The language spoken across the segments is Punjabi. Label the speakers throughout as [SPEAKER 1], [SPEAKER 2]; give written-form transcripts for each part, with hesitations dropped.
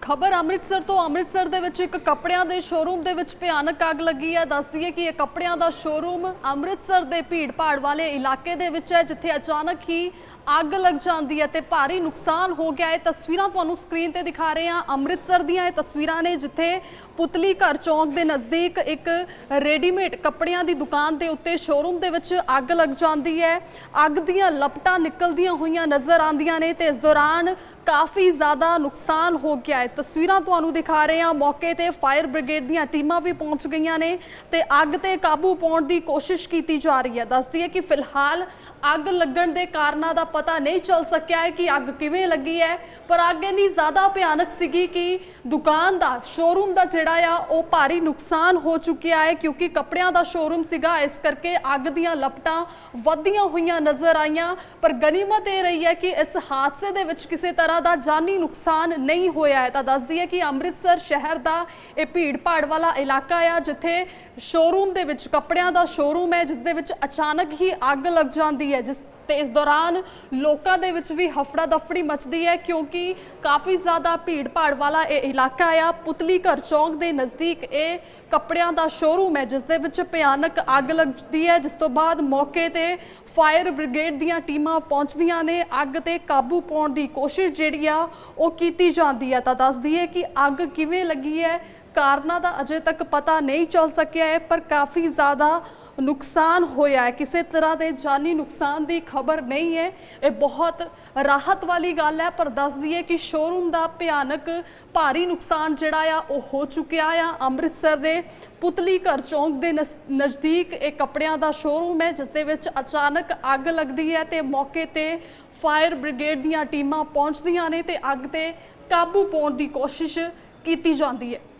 [SPEAKER 1] खबर अमृतसर तो अमृतसर दे विच एक कपड़ियां दे शोरूम दे विच भयानक अग लगी है। दस दईए कि यह कपड़ियां दा शोरूम अमृतसर दे भीड़ भाड़ वाले इलाके दे विच है, जिथे अचानक ही अग लग जाती है तो भारी नुकसान हो गया है। तस्वीरां तुहानूं स्क्रीन ते दिखा रहे हैं अमृतसर दीयां तस्वीरां ने, जिथे पुतली घर चौंक के नज़दीक एक रेडीमेड कपड़ियां दी दुकान के उत्ते शोरूम के विच अग लग जाती है। अग दीयां लपटां निकलदियां होईयां नज़र आंदियां ने ते इस दौरान काफ़ी ज़्यादा नुकसान हो गया है। तस्वीरां तुहानूं दिखा रहे हैं, मौके ते फायर ब्रिगेड दीयां टीमां भी पहुंच गईयां ने ते अग ते काबू पाउण दी कोशिश की जा रही है। दस दईए कि फिलहाल अग लगण दे कारणां दा पता नहीं चल सकिया है कि अग किवें लगी है, पर अग इन्नी ज़्यादा भयानक सीगी कि दुकान दा शोरूम दा जिहड़ा आ वो भारी नुकसान हो चुकिया है, क्योंकि कपड़ियां दा शोरूम सीगा, इस करके अग दीयां लपटां वधियां होईयां नज़र आईयां। पर गनीमत ये रही है कि इस हादसे दे विच किसी तरह का जानी नुकसान नहीं होया है। तो दस दईए कि अमृतसर शहर का यह भीड़ भाड़ वाला इलाका आ, जिथे शोरूम दे विच कपड़ियां दा शोरूम है, जिस दे विच अचानक ही अग लग जाती है, जिस ते इस दौरान लोगों के विच भी हफड़ा दफड़ी मचदी है, क्योंकि काफ़ी ज़्यादा भीड़ भाड़ वाला ये इलाका आ। पुतली घर चौंक के नज़दीक ये कपड़ियां दा शोरूम है, जिस दे विच भयानक अग लगती है, जिस तो बाद मौके ते फायर ब्रिगेड दीयां टीमां पहुंचदियां ने, अग ते काबू पाउण दी कोशिश जिहड़ी आ वो कीती जांदी है। तां दस दईए कि अग किवें लगी है, कारणा दा अजे तक पता नहीं चल सकिया है, पर काफ़ी ज़्यादा नुकसान होया है। किसी तरह के जानी नुकसान की खबर नहीं है, ये बहुत राहत वाली गल है। पर दस दईए कि शोरूम का भयानक भारी नुकसान जिहड़ा आ वो हो चुकिया आ। अमृतसर के पुतली घर चौंक के नज़दीक एक कपड़ियां का शोरूम है, जिस दे विच अचानक अग लगती है तो मौके ते फायर ब्रिगेड दीयां टीमां पहुंचदियां ने ते अग ते काबू पाउण दी कोशिश की जाती है।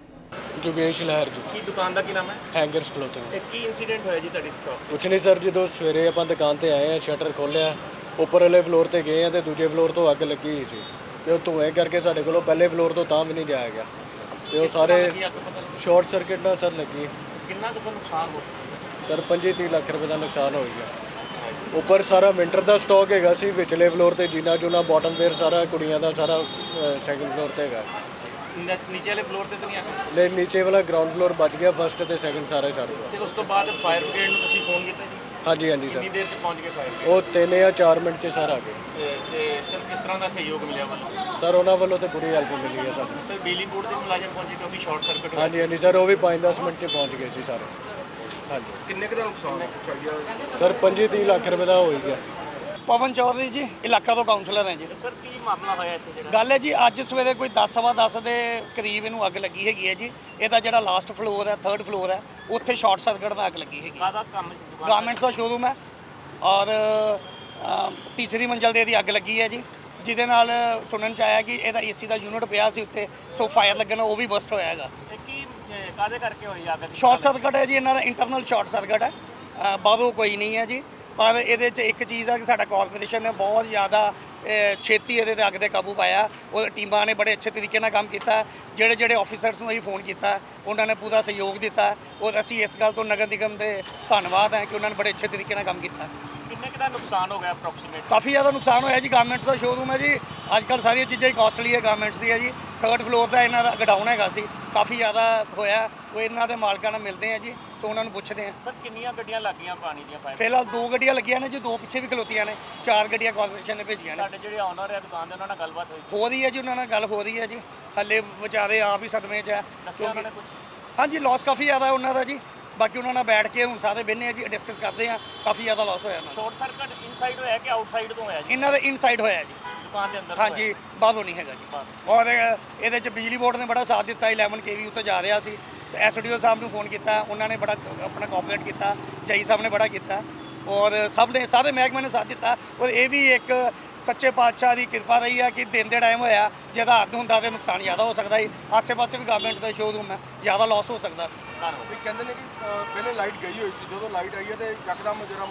[SPEAKER 2] जोगेश लहर जी
[SPEAKER 3] की दुकान का की नाम है?
[SPEAKER 2] Hangers clothing.
[SPEAKER 3] की इंसीडेंट होया जी ਤੁਹਾਡੀ ਸ਼ਾਪ
[SPEAKER 2] कुछ नहीं सर, जो सवेरे ਆਪਾਂ दुकान ਤੇ ਆਏ ਆ, ਸ਼ਟਰ ਖੋਲ੍ਹਿਆ, ਉੱਪਰ ਵਾਲੇ ਫਲੋਰ ਤੇ ਗਏ ਆ ਤੇ ਦੂਜੇ ਫਲੋਰ ਤੋਂ ਅੱਗ ਲੱਗੀ ਹੋਈ ਸੀ ਤੇ ਉਹ ਧੂਏ ਕਰਕੇ ਸਾਡੇ ਕੋਲੋਂ ਪਹਿਲੇ ਫਲੋਰ ਤੋਂ ਤਾਂ ਵੀ ਨਹੀਂ ਜਾਇਆ ਗਿਆ ਤੇ ਉਹ ਸਾਰੇ ਸ਼ਾਰਟ ਸਰਕਟ ਨਾਲ ਸਰ ਲੱਗੀ।
[SPEAKER 3] ਕਿੰਨਾ ਕੁ ਨੁਕਸਾਨ ਹੋ
[SPEAKER 2] ਸਰ 25-30 ਲੱਖ ਰੁਪਏ ਦਾ ਨੁਕਸਾਨ ਹੋ ਗਿਆ। ਉੱਪਰ ਸਾਰਾ ਵਿੰਟਰ ਦਾ ਸਟਾਕ ਹੈਗਾ ਸੀ, ਵਿਚਲੇ ਫਲੋਰ ਤੇ ਜੀਨਾ ਜੂਨਾ ਬਾਟਮ ਵੇਅਰ ਸਾਰਾ ਕੁੜੀਆਂ ਦਾ ਸਾਰਾ ਸੈਕੰਡ ਫਲੋਰ ਤੇ ਹੈਗਾ।
[SPEAKER 3] ਨੀਚੇ ਵਾਲੇ ਫਲੋਰ ਤੇ ਤਾਂ ਨਹੀਂ ਆ
[SPEAKER 2] ਨਹੀਂ, ਨੀਚੇ ਵਾਲਾ ਗਰਾਊਂਡ ਫਲੋਰ ਬਚ ਗਿਆ, ਫਸਟ ਤੇ ਸੈਕੰਡ ਸਾਰਾ ਸੜ ਗਿਆ।
[SPEAKER 3] ਤੇ ਉਸ ਤੋਂ ਬਾਅਦ ਫਾਇਰ ਬ੍ਰਿਗੇਡ ਨੂੰ ਤੁਸੀਂ ਫੋਨ ਕੀਤਾ ਜੀ?
[SPEAKER 2] ਹਾਂਜੀ ਹਾਂਜੀ ਸਰ,
[SPEAKER 3] ਕਿੰਨੀ ਦੇਰ 'ਚ ਪਹੁੰਚ ਗਏ ਫਾਇਰ ਬ੍ਰਿਗੇਡ?
[SPEAKER 2] ਉਹ 3 ਜਾਂ 4 ਮਿੰਟ 'ਚ ਸਾਰਾ ਆ ਗਏ।
[SPEAKER 3] ਤੇ ਸਰ ਕਿਸ ਤਰ੍ਹਾਂ ਦਾ ਸਹਿਯੋਗ ਮਿਲਿਆ ਵੱਲੋਂ?
[SPEAKER 2] ਸਰ ਉਹਨਾਂ ਵੱਲੋਂ ਤੇ ਪੂਰੀ ਹੈਲਪ ਮਿਲੀ ਹੈ ਸਾਨੂੰ।
[SPEAKER 3] ਸਰ ਬਿਜਲੀ ਬੋਰਡ ਦੇ ਮੁਲਾਜ਼ਮ ਪਹੁੰਚੇ ਕਿਉਂਕਿ ਸ਼ਾਰਟ ਸਰਕਟ ਹੋਇਆ?
[SPEAKER 2] ਹਾਂਜੀ ਹਾਂਜੀ ਸਰ, ਉਹ ਵੀ 5-10 ਮਿੰਟ 'ਚ ਪਹੁੰਚ ਗਏ ਸੀ ਸਾਰੇ। ਹਾਂਜੀ,
[SPEAKER 3] ਕਿੰਨੇ ਕੁ ਦਾ ਨੁਕਸਾਨ ਹੈ?
[SPEAKER 2] ਸਰ 25-30 ਲੱਖ ਰੁਪਏ ਦਾ ਹੋ ਹੀ ਗਿਆ।
[SPEAKER 4] ਪਵਨ ਚੌਧਰੀ ਜੀ, ਇਲਾਕਾ ਤੋਂ ਕਾਉਂਸਲਰ ਹਾਂ ਜੀ।
[SPEAKER 3] ਸਰ ਕੀ ਮਾਮਲਾ ਹੋਇਆ ਇੱਥੇ ਜਿਹੜਾ?
[SPEAKER 4] ਗੱਲ ਹੈ ਜੀ, ਅੱਜ ਸਵੇਰੇ ਕੋਈ 10:15 ਦੇ ਕਰੀਬ ਇਹਨੂੰ ਅੱਗ ਲੱਗੀ ਹੈਗੀ ਹੈ ਜੀ। ਇਹਦਾ ਜਿਹੜਾ ਲਾਸਟ ਫਲੋਰ ਹੈ, 3rd ਫਲੋਰ ਹੈ, ਉੱਥੇ ਸ਼ਾਰਟ ਸਰਕਟ ਨਾਲ ਅੱਗ ਲੱਗੀ ਹੈਗੀ।
[SPEAKER 3] ਕਾਹਦਾ ਕੰਮ ਸੀ ਦੁਕਾਨ?
[SPEAKER 4] ਗਾਰਮੈਂਟਸ ਦਾ ਸ਼ੋਰੂਮ ਹੈ ਔਰ ਤੀਸਰੀ ਮੰਜ਼ਲ ਤੇ ਇਹਦੀ ਅੱਗ ਲੱਗੀ ਹੈ ਜੀ, ਜਿਹਦੇ ਨਾਲ ਸੁਣਨ ਚ ਆਇਆ ਕਿ ਇਹਦਾ ਏਸੀ ਦਾ ਯੂਨਿਟ ਪਿਆ ਸੀ ਉੱਤੇ, ਸੋ ਫਾਇਰ ਲੱਗਣ ਉਹ ਵੀ ਬਸਟ ਹੋਇਆ ਹੈਗਾ।
[SPEAKER 3] ਤੇ ਕੀ ਕਾਹਦੇ ਕਰਕੇ ਹੋਈ ਅੱਗ?
[SPEAKER 4] ਸ਼ਾਰਟ ਸਰਕਟ ਹੈ ਜੀ, ਇਹਨਾਂ ਦਾ ਇੰਟਰਨਲ ਸ਼ਾਰਟ ਸਰਕਟ ਹੈ, ਬਾਹਰੋਂ ਕੋਈ ਨਹੀਂ ਹੈ ਜੀ। ਪਰ ਇਹਦੇ 'ਚ ਇੱਕ ਚੀਜ਼ ਆ ਕਿ ਸਾਡਾ ਕਾਰਪੋਰੇਸ਼ਨ ਨੇ ਬਹੁਤ ਜ਼ਿਆਦਾ ਛੇਤੀ ਇਹਦੇ 'ਤੇ ਅੱਗ 'ਤੇ ਕਾਬੂ ਪਾਇਆ, ਉਹ ਟੀਮਾਂ ਨੇ ਬੜੇ ਅੱਛੇ ਤਰੀਕੇ ਨਾਲ ਕੰਮ ਕੀਤਾ। ਜਿਹੜੇ ਆਫੀਸਰਸ ਨੂੰ ਅਸੀਂ ਫੋਨ ਕੀਤਾ ਉਹਨਾਂ ਨੇ ਪੂਰਾ ਸਹਿਯੋਗ ਦਿੱਤਾ, ਔਰ ਅਸੀਂ ਇਸ ਗੱਲ ਤੋਂ ਨਗਰ ਨਿਗਮ ਦੇ ਧੰਨਵਾਦ ਹੈ ਕਿ ਉਹਨਾਂ ਨੇ ਬੜੇ ਅੱਛੇ ਤਰੀਕੇ ਨਾਲ ਕੰਮ ਕੀਤਾ।
[SPEAKER 3] ਕਿੰਨੇ ਕੁ ਦਾ ਨੁਕਸਾਨ ਹੋ ਗਿਆ ਅਪਰੋਕਸੀਮੇਟ?
[SPEAKER 4] ਕਾਫੀ ਜ਼ਿਆਦਾ ਨੁਕਸਾਨ ਹੋਇਆ ਜੀ। ਗਾਰਮੈਂਟਸ ਦਾ ਸ਼ੋਰੂਮ ਹੈ ਜੀ, ਅੱਜ ਕੱਲ੍ਹ ਸਾਰੀਆਂ ਚੀਜ਼ਾਂ ਹੀ ਕਾਸਟਲੀ ਹੈ ਗਾਰਮੈਂਟਸ ਦੀ ਹੈ ਜੀ। 3rd ਫਲੋਰ ਦਾ ਇਹਨਾਂ ਦਾ ਗਡਾਊਨ ਹੈਗਾ ਸੀ, ਕਾਫੀ ਜ਼ਿਆਦਾ ਹੋਇਆ। ਉਹ ਇਹਨਾਂ ਦੇ ਮਾਲਕਾਂ ਨਾਲ ਮਿਲਦੇ ਆ ਜੀ, ਸੋ ਉਹਨਾਂ ਨੂੰ ਪੁੱਛਦੇ ਆ।
[SPEAKER 3] ਸਰ ਕਿੰਨੀਆਂ ਗੱਡੀਆਂ ਲੱਗੀਆਂ ਪਾਣੀ ਦੀਆਂ ਫਾਇਰ?
[SPEAKER 4] ਫਿਲਹਾਲ 2 ਗੱਡੀਆਂ ਲੱਗੀਆਂ ਨੇ ਜੀ, 2 ਪਿੱਛੇ ਵੀ ਖਲੋਤੀਆਂ ਨੇ, 4 ਗੱਡੀਆਂ ਕਾਰਪੋਰੇਸ਼ਨ ਨੇ ਭੇਜੀਆਂ ਨੇ।
[SPEAKER 3] ਸਾਡੇ ਜਿਹੜੇ ਓਨਰ ਹੈ ਦੁਕਾਨ ਦੇ ਉਹਨਾਂ ਨਾਲ ਗੱਲਬਾਤ ਹੋਈ?
[SPEAKER 4] ਹੋ ਰਹੀ ਹੈ ਜੀ, ਉਹਨਾਂ ਨਾਲ ਗੱਲ ਹੋ ਰਹੀ ਹੈ ਜੀ। ਹੱਲੇ ਵਿਚਾਰੇ ਆਪ ਹੀ ਸਦਮੇ 'ਚ ਹੈ।
[SPEAKER 3] ਦੱਸਿਆ ਉਹਨਾਂ ਨੇ ਕੁਝ?
[SPEAKER 4] ਹਾਂਜੀ, ਲਾਸ ਕਾਫੀ ਜ਼ਿਆਦਾ ਉਹਨਾਂ ਦਾ ਜੀ। ਬਾਕੀ ਉਹਨਾਂ ਨਾਲ ਬੈਠ ਕੇ ਹੁਣ ਸਾਰੇ ਬਹਿੰਦੇ ਆ ਜੀ, ਡਿਸਕਸ ਕਰਦੇ ਆ। ਕਾਫੀ ਜ਼ਿਆਦਾ ਲਾਸ ਹੋਇਆ ਇਹਨਾਂ ਦਾ।
[SPEAKER 3] ਸ਼ਾਰਟ ਸਰਕਟ ਇਨਸਾਈਡ ਹੋਇਆ ਕਿ ਆਊਟਸਾਈਡ ਤੋਂ ਹੋਇਆ ਜੀ?
[SPEAKER 4] ਇਹਨਾਂ ਦਾ ਇਨਸਾਈਡ ਹੋਇਆ ਜੀ,
[SPEAKER 3] ਦੁਕਾਨ ਦੇ ਅੰਦਰ?
[SPEAKER 4] ਹਾਂਜੀ, ਬਾਹਰੋਂ ਨਹੀਂ ਹੈਗਾ ਜੀ। ਔਰ ਇਹਦੇ 'ਚ ਬਿਜਲੀ ਬੋਰਡ ਨੇ ਬੜਾ ਸਾਥ ਦਿੱਤਾ। 11 kV ਉੱਤੇ ਜਾ ਰਿਹਾ ਸੀ ਤੇ ਐਸਡੀਓ ਸਾਹਿਬ ਨੂੰ ਫੋਨ ਕੀਤਾ, ਉਹਨਾਂ ਨੇ ਬੜਾ ਆਪਣਾ ਕੋਆਪਰੇਟ ਕੀਤਾ। ਜਈ ਸਾਹਿਬ ਨੇ ਬੜਾ ਕੀਤਾ ਔਰ ਸਭ ਨੇ, ਸਾਰੇ ਮਹਿਕਮੇ ਨੇ ਸਾਥ ਦਿੱਤਾ। ਔਰ ਇਹ ਵੀ ਇੱਕ ਸੱਚੇ ਪਾਤਸ਼ਾਹ ਦੀ ਕਿਰਪਾ ਰਹੀ ਹੈ ਕਿ ਦਿਨ ਦੇ ਟਾਈਮ ਹੋਇਆ, ਜੇ ਰਾਤ ਨੂੰ ਹੁੰਦਾ ਤਾਂ ਨੁਕਸਾਨ ਜ਼ਿਆਦਾ ਹੋ ਸਕਦਾ ਸੀ। ਆਸੇ-ਪਾਸੇ ਵੀ ਗਵਰਨਮੈਂਟ ਦਾ ਸ਼ੋਰੂਮ ਹੈ, ਜ਼ਿਆਦਾ ਲਾਸ ਹੋ ਸਕਦਾ ਸੀ।
[SPEAKER 3] ਧੰਨਵਾਦ।
[SPEAKER 5] ਕਹਿੰਦੇ ਨੇ ਕਿ ਪਹਿਲੇ ਲਾਈਟ ਗਈ ਹੋਈ ਸੀ, ਜਦੋਂ ਲਾਈਟ ਆਈ ਹੈ ਤੇ ਯਕਦਮ ਜਿਹੜਾ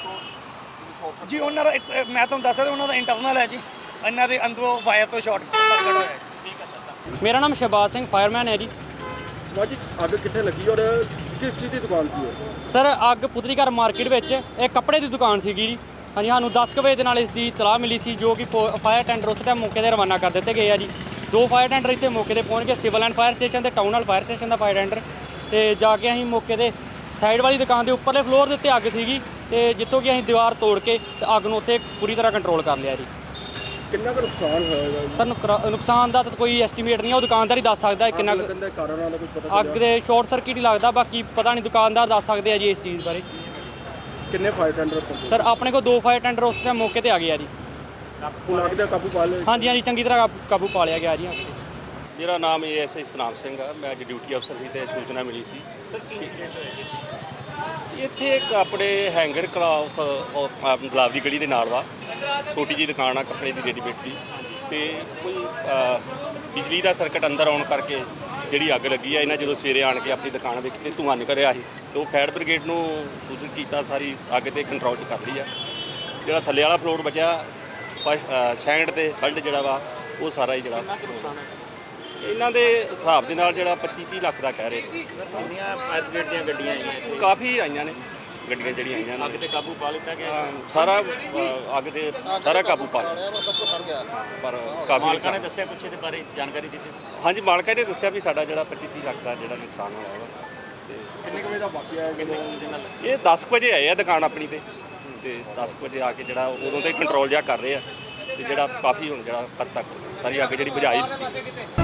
[SPEAKER 5] ਮੁਰਦੇ
[SPEAKER 4] ਜੀ ਉਹਨਾਂ ਦਾ ਮੈਂ ਤੁਹਾਨੂੰ ਦੱਸ ਰਿਹਾ, ਉਹਨਾਂ ਦਾ ਇੰਟਰਨਲ ਹੈ ਜੀ, ਇਹਨਾਂ ਦੇ ਅੰਦਰੋਂ ਵਾਇਰ ਤੋਂ ਸ਼ਾਰਟ ਸਰਕਟ ਹੋਇਆ ਹੈ।
[SPEAKER 3] ਠੀਕ ਹੈ ਸਰ।
[SPEAKER 6] ਮੇਰਾ ਨਾਮ ਸ਼ਹਬਾਜ਼ ਸਿੰਘ ਫਾਇਰਮੈਨ ਹੈ ਜੀ।
[SPEAKER 5] ਸਮਾਜੀ ਅੱਗ ਕਿੱਥੇ ਲੱਗੀ ਔਰ ਕਿਸ ਚੀਜ਼ ਦੀ ਦੁਕਾਨ ਸੀ ਇਹ?
[SPEAKER 6] ਸਰ ਅੱਗ ਪੁਤਲੀ ਘਰ ਮਾਰਕੀਟ ਵਿੱਚ ਇਹ ਕੱਪੜੇ ਦੀ ਦੁਕਾਨ ਸੀਗੀ ਜੀ। ਹਾਂਜੀ, ਸਾਨੂੰ 10 ਕੁ ਵਜੇ ਦੇ ਨਾਲ ਇਸ ਦੀ ਇਤਲਾਹ ਮਿਲੀ ਸੀ, ਜੋ ਕਿ ਫਾਇਰ ਟੈਂਡਰ ਉਸ ਟਾਈਮ ਮੌਕੇ 'ਤੇ ਰਵਾਨਾ ਕਰ ਦਿੱਤੇ ਗਏ ਆ ਜੀ। 2 ਫਾਇਰ ਟੈਂਡਰ ਇੱਥੇ ਮੌਕੇ ਤੇ ਪਹੁੰਚ ਗਏ, ਸਿਵਲ ਐਂਡ ਫਾਇਰ ਸਟੇਸ਼ਨ ਤੇ ਟਾਊਨ ਹਾਲ ਫਾਇਰ ਸਟੇਸ਼ਨ ਦਾ ਫਾਇਰ ਟੈਂਡਰ। ਤੇ ਜਾ ਕੇ ਅਸੀਂ ਮੌਕੇ ਤੇ ਸਾਈਡ ਵਾਲੀ ਦੁਕਾਨ ਦੇ ਉੱਪਰਲੇ ਫਲੋਰ ਦੇ ਉੱਤੇ ਅੱਗ ਸੀਗੀ ਤੇ ਜਿੱਥੋਂ ਕਿ ਅਸੀਂ ਦੀਵਾਰ ਤੋੜ ਕੇ ਤੇ ਅੱਗ ਨੂੰ ਉੱਥੇ ਪੂਰੀ ਤਰ੍ਹਾਂ ਕੰਟਰੋਲ ਕਰ ਲਿਆ ਜੀ।
[SPEAKER 5] ਕਿੰਨਾ ਕੁ ਨੁਕਸਾਨ ਹੋਇਆ ਜੀ?
[SPEAKER 6] ਸਰ ਨੁਕਸਾਨ ਦਾ ਤਾਂ ਕੋਈ ਐਸਟੀਮੇਟ ਨਹੀਂ ਹੈ, ਉਹ ਦੁਕਾਨਦਾਰ ਹੀ ਦੱਸ ਸਕਦਾ ਹੈ ਕਿੰਨਾ ਕੁ।
[SPEAKER 5] ਲੱਗਣ ਦੇ ਕਾਰਨਾਂ ਦਾ ਕੁਝ ਪਤਾ
[SPEAKER 6] ਅੱਗ ਦੇ ਸ਼ਾਰਟ ਸਰਕਟ ਹੀ ਲੱਗਦਾ, ਬਾਕੀ ਪਤਾ ਨਹੀਂ, ਦੁਕਾਨਦਾਰ ਦੱਸ ਸਕਦੇ ਆ ਜੀ ਇਸ ਚੀਜ਼ ਬਾਰੇ।
[SPEAKER 5] ਕਿੰਨੇ ਫਾਇਰ ਟੈਂਡਰ ਪਹੁੰਚੇ?
[SPEAKER 6] ਸਰ ਆਪਣੇ ਕੋਲ 2 ਫਾਇਰ ਟੈਂਡਰ ਉਸ ਟਾਈਮ ਮੌਕੇ ਤੇ ਆ ਗਏ ਆ ਜੀ।
[SPEAKER 5] ਹੁਣ ਅੱਗ ਦਾ ਕਾਬੂ ਪਾ ਲਿਆ?
[SPEAKER 6] ਹਾਂਜੀ ਹਾਂਜੀ, ਚੰਗੀ ਤਰ੍ਹਾਂ ਕਾਬੂ ਪਾ ਲਿਆ ਗਿਆ ਜੀ।
[SPEAKER 7] ਮੇਰਾ ਨਾਮ ASI ਸਤਨਾਮ ਸਿੰਘ ਆ, ਮੈਂ ਅੱਜ ਡਿਊਟੀ ਅਫਸਰ ਸੀ ਤੇ ਸੂਚਨਾ ਮਿਲੀ ਸੀ।
[SPEAKER 3] ਸਰ ਕੀ ਇੰਸੀਡੈਂਟ ਹੋਇਆ ਜੀ?
[SPEAKER 7] ਇੱਥੇ ਇੱਕ ਆਪਣੇ ਹੈਂਗਰ ਕਲਾਫ ਗੁਲਾਬ ਦੀ ਗਲੀ ਦੇ ਨਾਲ ਵਾ, ਛੋਟੀ ਜਿਹੀ ਦੁਕਾਨ ਆ ਕੱਪੜੇ ਦੀ ਰੈਡੀਮੇਡ ਦੀ, ਤੇ ਕੋਈ ਬਿਜਲੀ ਦਾ ਸਰਕਟ ਅੰਦਰ ਆਉਣ ਕਰਕੇ ਜਿਹੜੀ ਅੱਗ ਲੱਗੀ ਆ। ਇਹਨਾਂ ਜਦੋਂ ਸਵੇਰੇ ਆਣ ਕੇ ਆਪਣੀ ਦੁਕਾਨ ਵੇਖੀ ਤੇ ਧੂੰਆਂ ਨਿਕਲ ਰਿਹਾ ਸੀ, ਤੇ ਉਹ ਫਾਇਰ ਬ੍ਰਿਗੇਡ ਨੂੰ ਸੂਚਿਤ ਕੀਤਾ, ਸਾਰੀ ਅੱਗ ਤੇ ਕੰਟਰੋਲ 'ਚ ਕਰ ਲਈ ਆ। ਜਿਹੜਾ ਥੱਲੇ ਵਾਲਾ ਫਲੋਰ ਬਚਿਆ ਸੈਕੰਡ ਤੇ ਥਰਡ ਜਿਹੜਾ ਵਾ ਉਹ ਸਾਰਾ ਹੀ ਜਿਹੜਾ ਇਹਨਾਂ ਦੇ ਹਿਸਾਬ ਦੇ ਨਾਲ ਜਿਹੜਾ 25-30 ਲੱਖ ਦਾ ਕਹਿ ਰਹੇ।
[SPEAKER 3] ਕਿੰਨੀਆਂ ਫਾਇਰ ਬ੍ਰਿਗੇਡ ਦੀਆਂ ਗੱਡੀਆਂ ਆਈਆਂ ਇੱਥੇ?
[SPEAKER 7] ਕਾਫੀ ਆਈਆਂ ਨੇ ਗੱਡੀਆਂ ਜਿਹੜੀਆਂ ਆਈਆਂ ਨੇ।
[SPEAKER 3] ਅੱਗ ਤੇ ਕਾਬੂ ਪਾ ਲਿੱਤਾ ਗਿਆ?
[SPEAKER 7] ਸਾਰਾ ਅੱਗ ਤੇ ਸਾਰਾ ਕਾਬੂ ਪਾ ਲਿਆ, ਪਰ ਕਾਫੀ
[SPEAKER 3] ਮਾਲਕਾਂ ਨੇ
[SPEAKER 7] ਨੁਕਸਾਨ।
[SPEAKER 3] ਦੱਸਿਆ ਕੁਛ ਇਹਦੇ ਬਾਰੇ ਜਾਣਕਾਰੀ ਦਿੱਤੀ?
[SPEAKER 7] ਹਾਂਜੀ, ਮਾਲਕਾਂ ਨੇ ਦੱਸਿਆ ਵੀ ਸਾਡਾ ਜਿਹੜਾ 25-30 ਲੱਖ ਦਾ ਜਿਹੜਾ ਨੁਕਸਾਨ ਹੋਇਆ ਵਾ।
[SPEAKER 5] ਕਿੰਨੇ ਕੁ ਵਜੇ ਦਾ ਵਾਕਿਆ ਹੈ?
[SPEAKER 3] ਕਿੰਨੇ ਕੁ ਦੇ ਨਾਲ?
[SPEAKER 7] ਇਹ 10 ਕੁ ਵਜੇ ਆਏ ਆ ਦੁਕਾਨ ਆਪਣੀ ਤੇ 10 ਕੁ ਵਜੇ ਆ ਕੇ ਜਿਹੜਾ ਉਦੋਂ ਤੇ ਕੰਟਰੋਲ ਜਿਹਾ ਕਰ ਰਹੇ ਆ, ਤੇ ਜਿਹੜਾ ਕਾਫੀ ਹੁਣ ਜਿਹੜਾ ਹੱਦ ਤੱਕ ਸਾਰੀ ਅੱਗ ਜਿਹੜੀ ਬੁਝਾਈ ਦਿੱਤੀ।